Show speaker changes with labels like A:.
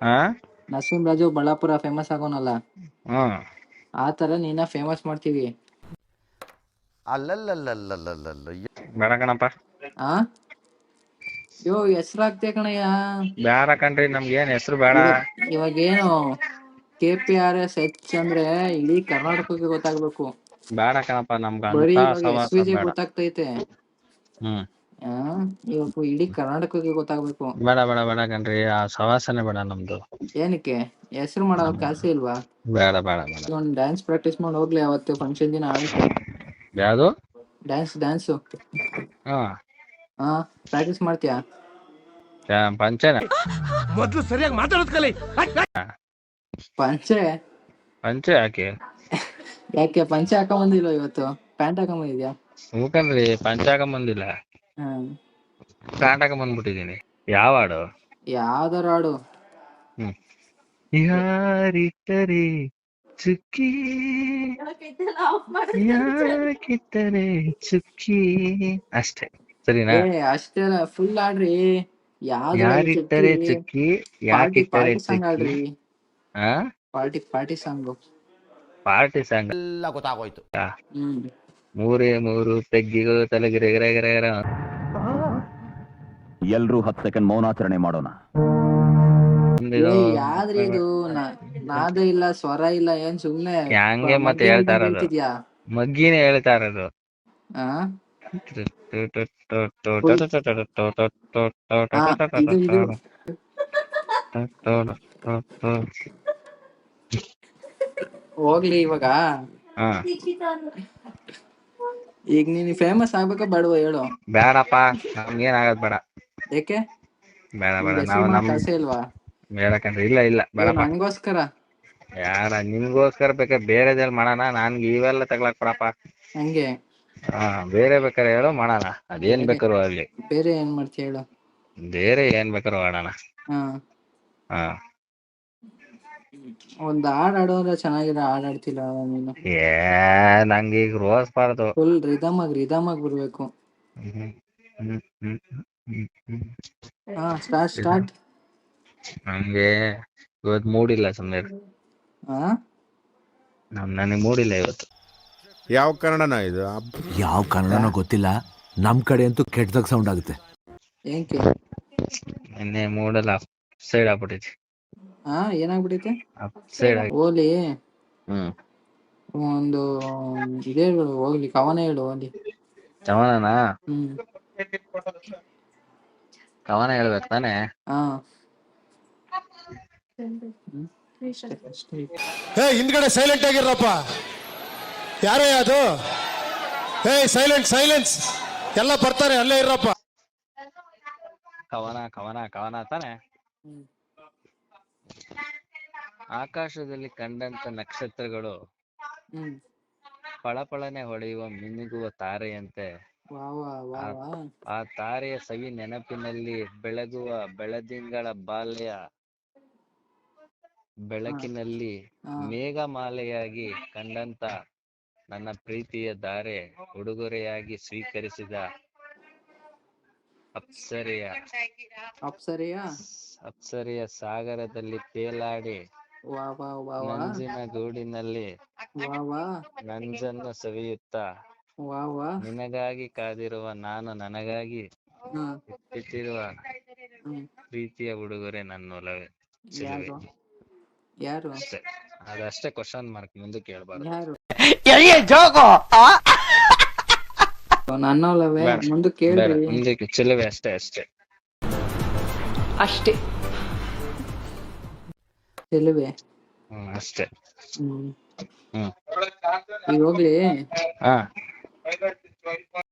A: ಹಾ
B: ನರಸಿಂಹರಾಜು ಬಳ್ಳಾಪುರ ಫೇಮಸ್ ಆಗೋನಲ್ಲ,
A: ಹ್ಮ್
B: ಆ ತರ ನೀನ ಫೇಮಸ್ ಮಾಡ್ತೀವಿ.
C: ಅಲ್ಲಲ್ಲಲ್ಲಲ್ಲಲ್ಲಲ್ಲ
A: ಬೇಡ ಕಣಪ್ಪ.
B: ಆ ಯೋ ಹೆಸ್ರಾಗ್ತೆ ಕಣಯ್ಯ.
A: ಬೇಡ ಕಣ್ರಿ, ನಮ್ಗೆ ಏನ್ ಹೆಸರು ಬೇಡ.
B: ಇವಾಗೇನು KPRS ಅಂದ್ರೆ ಇಡೀ ಕರ್ನಾಟಕಕ್ಕೆ ಗೊತ್ತಾಗ್ಬೇಕು.
A: ಬೇಡ ಕಣಪ್ಪ, ನಮ್ಗ
B: ಬರೀ
A: ಅಂತ
B: ಇವಾಗ
A: ಸವಾಸ
B: SVJ
A: ಬೇಡ.
B: ಗೊತ್ತಾಗ್ತೈತೆ,
A: ಹ್ಮ್
B: ಇವಾಗ ಇಡೀ ಕರ್ನಾಟಕಕ್ಕೆ ಗೊತ್ತಾಗ್ಬೇಕು.
A: ಬೇಡ ಬೇಡ ಬೇಡ ಕಣ್ರಿ, ಆ ಸವಾಸನೆ ಬೇಡ ನಮ್ದು.
B: ಏನಕ್ಕೆ ಹೆಸರು ಮಾಡೋ ಕಾಸೆ ಇಲ್ವಾ?
A: ಬೇಡ ಬೇಡ ಬೇಡ.
B: ಒಂದು ಡ್ಯಾನ್ಸ್ ಪ್ರಾಕ್ಟೀಸ್ ಮಾಡಿ ಹೋಗ್ಲಿ ಅವತ್ತು ಫಂಕ್ಷನ್ ದಿನ ಆಡಕ್ಕೆ.
A: ಯಾವ್ದು?
B: ಡ್ಯಾನ್ಸು ಹಾ ಪ್ರಾಕ್ಟೀಸ್ ಮಾಡ್ತೀಯಾ?
A: ಪಂಚನ
C: ಮೊದ್ಲು ಸರಿಯಾಗಿ ಮಾತಾಡೋದ್ ಕಲಿ.
B: ಪಂಚೆ
A: ಪಂಚೆ ಯಾಕೆ?
B: ಯಾಕೆ ಪಂಚೆ ಹಾಕೊಂಬಂದಿಲ್ಲ ಇವತ್ತು? ಪ್ಯಾಂಟ್ ಹಾಕೊಂಬಂದಿದ್ಯಾ?
A: ಹೂಕನ್ರಿ, ಪಂಚೆ ಹಾಕೊಂಬಂದಿಲ್ಲ, ಪ್ಯಾಂಟ್ ಹಾಕೊಂಬಂದ್ಬಿಟ್ಟಿದೀನಿ. ಯಾವ ಹಾಡು?
B: ಯಾವ್ದಾರು ಹಾಡು.
A: ಯಾರಿಟ್ಟರೆ ಚುಕ್ಕಿ, ಯಾಕಿಟ್ಟರೆ ಚುಕ್ಕಿ, ಅಷ್ಟೇ ಸರಿನಾ?
B: ಅಷ್ಟೇ ಫುಲ್ ಆಡ್ರಿ. ಯಾವ್ದ್ರ
A: ಯಾರಿಟ್ಟರೆ ಚುಕ್ಕಿ, ಯಾಕಿಟ್ಟರೆ
B: ಪಾರ್ಟಿ ಸಾಂಗ್
A: ಚುಕ್ಕಿ.
B: ಆಡ್ರಿ.
A: ಹಾ
B: ಪಾರ್ಟಿ ಸಾಂಗು.
A: ಪಾರ್ಟಿ ಸಾಂಗ್
C: ಎಲ್ಲ ಗೊತ್ತಾಗೋಯ್ತು.
A: ಮೂರೇ ಮೂರು ಪೆಗ್ಗಿಗಳು ತಲೆಗಿರೆಗರೆಗರ.
D: ಎಲ್ರೂ 10 ಸೆಕೆಂಡ್ ಮೌನಾಚರಣೆ ಮಾಡೋಣ.
B: ಯಾವ್ದ್ರಿ ಇದು? ನಾದ ಇಲ್ಲ, ಸ್ವರ ಇಲ್ಲ, ಏನ್ ಸುಮ್ನೆ
A: ಹಂಗೆ ಮತ್ತೆ ಹೇಳ್ತಾ ಇರೋದು,
B: ಹೇಳ್ತಿದ್ಯಾ?
A: ಮಗ್ಗಿನೇ ಹೇಳ್ತಾ ಇರೋದು.
B: ಹೋಗ್ಲಿ ಇವಾಗ. ಈಗ ನೀನ್ ಫೇಮಸ್ ಆಗ್ಬೇಕಾ ಬೇಡವಾ ಹೇಳು?
A: ಬೇಡಪ್ಪ, ನಮ್ಗೇನ್ ಆಗದ್ ಬೇಡ.
B: ಯಾಕೆ?
A: ಬೇಡ ಬೇಡ, ನಾವು ನಮ್
B: ಆಸೆ ಇಲ್ವಾ?
A: ಬೇಡಕಂಡ್ರಿ, ಇಲ್ಲ ಇಲ್ಲ ಬೇಡಪ್ಪ.
B: ನಂಗೋಸ್ಕರ
A: ಯಾರ ನಿಮ್ಗೋಸ್ಕರ ಬೇಕಾ ಬೇರೆದೇಲ್ ಮಾಡೋಣ, ನನ್ಗೆ ಇವೆಲ್ಲ ತಗ್ಲಾಕ್ ಬಿಡಪ್ಪ.
B: ಹಂಗೆ
A: ಬೇರೆ ಬೇಕಾರೆ ಹೇಳೋ ಮಾಡೋಣ, ಅದೇನ್ ಬೇಕಾರು ಆಗ್ಲಿ.
B: ಬೇರೆ ಏನ್ ಮಾಡ್ತೀಯ ಹೇಳು?
A: ಬೇರೆ ಏನ್ ಬೇಕಾರು ಆಡೋಣ.
B: ಒಂದ್ ಹಾಡ್ ಆಡೋ ಅಂದ್ರೆ ಚೆನ್ನಾಗಿರೋ ಹಾಡ್ ಆಡ್ತಿಲ್ಲ ನೀನು.
A: ನಂಗೆ ಈಗ ರೋಸ್ಬಾರ್ದು,
B: ಫುಲ್ ರಿದಮ್ ಆಗಿ ಬರ್ಬೇಕು. ಸ್ಟಾರ್ಟ್.
A: ನಮ್ಗೆ ಇವತ್ತು ಮೂಡಿಲ್ಲ, ಸುಮ್ಮನೆ ನನಗೆ ಮೂಡಿಲ್ಲ ಇವತ್ತು.
E: ಯಾವ ಕನ್ನಡನ ಇದು?
F: ಯಾವ ಕನ್ನಡನೋ ಗೊತ್ತಿಲ್ಲ, ನಮ್ ಕಡೆ ಅಂತೂ ಕೆಟ್ಟದಾಗ ಸೌಂಡ್ ಆಗುತ್ತೆ.
B: ಏನಕ್ಕೆ?
A: ನಿನ್ನೆ ಮೂಡಲ್ಲ ಸೈಡ್ ಆಗ್ಬಿಟ್ಟೈತಿ.
B: ಏನಾಗ್ಬಿಟ್ಟೈತೆ?
A: ಸೈಡ್
B: ಓಲಿ ಒಂದು ಇದೇ ಹೇಳು, ಹೋಗ್ಲಿ ಕವನ ಹೇಳು ಹೋಗ್ಲಿ.
A: ಕವನನ? ಕವನ ಹೇಳ್ಬೇಕು ತಾನೆ?
E: ಹಿಂದ್ಗಡೆ ಸೈಲೆಂಟ್ ಆಗಿರಪ್ಪ. ಯಾರೇ ಅದು? ಸೈಲೆನ್ಸ್ ಎಲ್ಲ ಬರ್ತಾರೆ, ಅಲ್ಲೇ ಇರಪ್ಪ.
A: ಕವನ ಕವನ ಕವನ ತಾನೆ? ಆಕಾಶದಲ್ಲಿ ಕಂಡಂತ ನಕ್ಷತ್ರಗಳು ಫಳಫಳನೆ ಹೊಳೆಯುವ ಮಿನುಗುವ ತಾರೆಯಂತೆ, ಆ ತಾರೆಯ ಸವಿ ನೆನಪಿನಲ್ಲಿ ಬೆಳಗುವ ಬೆಳದಿಂಗಳ ಬಾಲ್ಯ ಬೆಳಕಿನಲ್ಲಿ ಮೇಘಮಾಲೆಯಾಗಿ ಕಂಡಂತ ನನ್ನ ಪ್ರೀತಿಯ ಧಾರೆ ಉಡುಗೊರೆಯಾಗಿ ಸ್ವೀಕರಿಸಿದ ಅಪ್ಸರೆಯ ಸಾಗರದಲ್ಲಿ ತೇಲಾಡಿ ನಂಜಿನ ಗೂಡಿನಲ್ಲಿ ನಂಜನ್ನು ಸವಿಯುತ್ತಾ ನಿನಗಾಗಿ ಕಾದಿರುವ ನಾನು, ನನಗಾಗಿ ಇಟ್ಟಿರುವ ಪ್ರೀತಿಯ ಉಡುಗೊರೆ ನನ್ನೊಲವೇ ಸಿಲುವೆ. ಅದಷ್ಟೇ, ಕ್ವಶನ್ ಮಾರ್ಕ್, ಮುಂದಕ್ಕೆ ಹೇಳ್ಬಾರ್ದು.
B: ನನ್ನೊಲವೇ ಮುಂದಕ್ಕೆ ಹೇಳ್ರಿ.
A: ಮುಂದಕ್ಕೆ ಚೆಲುವೆ, ಅಷ್ಟೇ
B: ಚೆಲುವೆ
A: ಅಷ್ಟೇ.
B: ಈಗ ಹೋಗ್ಲಿ.